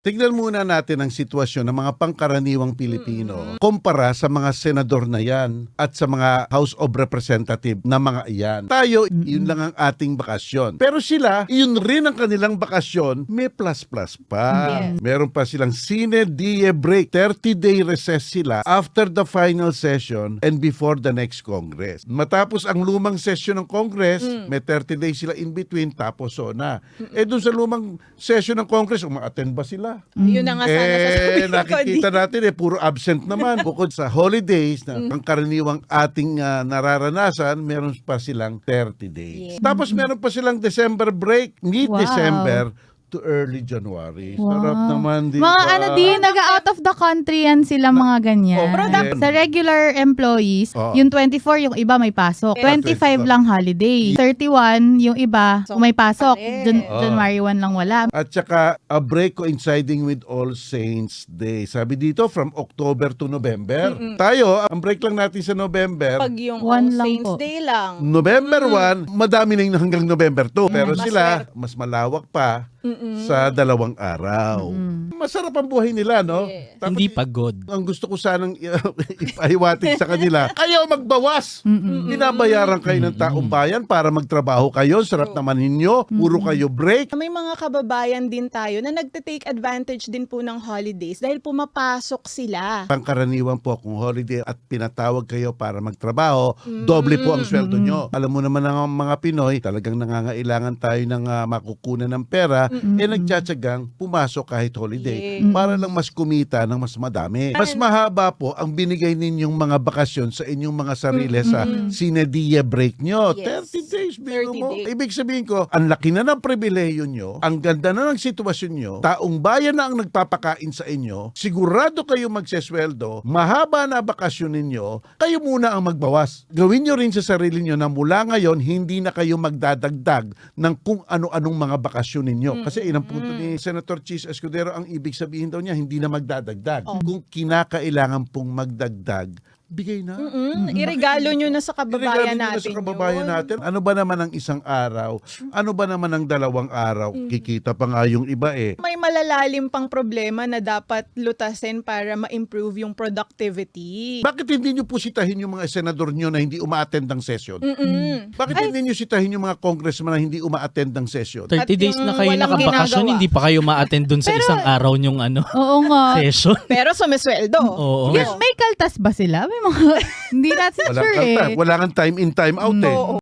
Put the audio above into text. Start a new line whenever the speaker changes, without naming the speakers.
Tignan muna natin ang sitwasyon ng mga pangkaraniwang Pilipino kumpara sa mga senador na yan at sa mga House of Representative na mga iyan. Tayo, yun lang ang ating bakasyon. Pero sila, yun rin ang kanilang bakasyon, may plus-plus pa.
Yes.
Meron pa silang sine die break. 30-day recess sila after the final session and before the next Congress. Matapos ang lumang session ng Congress, may 30 days sila in between, tapos na. Dun sa lumang session ng Congress, uma-attend ba sila?
Yun na nga sana sasabihin ko.
Nakikita natin puro absent naman. Bukod sa holidays na ang karaniwang ating nararanasan, meron pa silang 30 days.
Yeah.
Tapos meron pa silang December break,
Wow.
mid-December to early January. Sarap naman, di
Mga
ba?
ano din, nag-out of the country yan sila mga ganyan.
Oh, pero
Sa regular employees,
Oo.
yung 24 yung iba may pasok. 25 lang holiday. 31 yung iba
So,
may pasok.
pare.
January 1 lang wala.
At saka a break coinciding with All Saints Day. Sabi dito from October to November. Tayo, ang break lang natin sa November.
Pag yung
One
All
lang
Saints
po.
Day lang.
November 1, madami na yung hanggang November 2. Pero
Mas
sila, mas malawak pa sa 2 araw. Masarap ang buhay nila, no?
Yes.
Tapos,
Hindi pagod.
ang gusto ko sanang ipahiwatig sa kanila, kayo magbawas. Binabayaran kayo ng taong bayan para magtrabaho kayo. Sarap naman ninyo. Puro kayo break.
May mga kababayan din tayo na nagte-take advantage din po ng holidays dahil pumapasok sila.
Pangkaraniwan po kung holiday at pinatawag kayo para magtrabaho, doble po ang sweldo nyo. Alam mo naman ang mga Pinoy, talagang nangangailangan tayo ng makukunan ng pera, nagtsatsagang pumasok kahit holiday para lang mas kumita ng mas madami. Mas mahaba po ang binigay ninyong mga bakasyon sa inyong mga sarili sa sinedia break nyo.
Yes.
30 days, biro
30
mo.
days.
Ibig sabihin ko, ang laki na ng pribileyo nyo, ang ganda na ng sitwasyon nyo, taong bayan na ang nagpapakain sa inyo, sigurado kayo magsesweldo, mahaba na bakasyon ninyo, kayo muna ang magbawas. Gawin nyo rin sa sarili nyo na mula ngayon, hindi na kayo magdadagdag ng kung ano-anong mga bakasyon ninyo. Kasi inang punto ni Senator Chis Escudero, ang ibig sabihin daw niya, hindi na magdadagdag. Kung kinakailangan pong magdagdag, bigay na.
Iregalo nyo na sa kababayan
Iregalo nyo na
natin
sa kababayan
yun.
natin. Ano ba naman ang isang araw? Ano ba naman ang 2 araw? Kikita pa nga yung iba
May malalalim pang problema na dapat lutasin para ma-improve yung productivity.
Bakit hindi nyo po sitahin yung mga senador nyo na hindi uma-attend ng session? Bakit hindi nyo sitahin yung mga congressman na hindi uma-attend ng session?
30
At
days
yung
na kayo
walang
nakabakasyon,
ginagawa.
hindi pa kayo ma-attend dun sa isang araw nyong
Oo nga.
session.
Pero sumisweldo.
Oo.
May kaltas ba sila? May mga, hindi natin
Walang
sure
kalta.
eh.
Wala kang time in, time out eh.
Oo.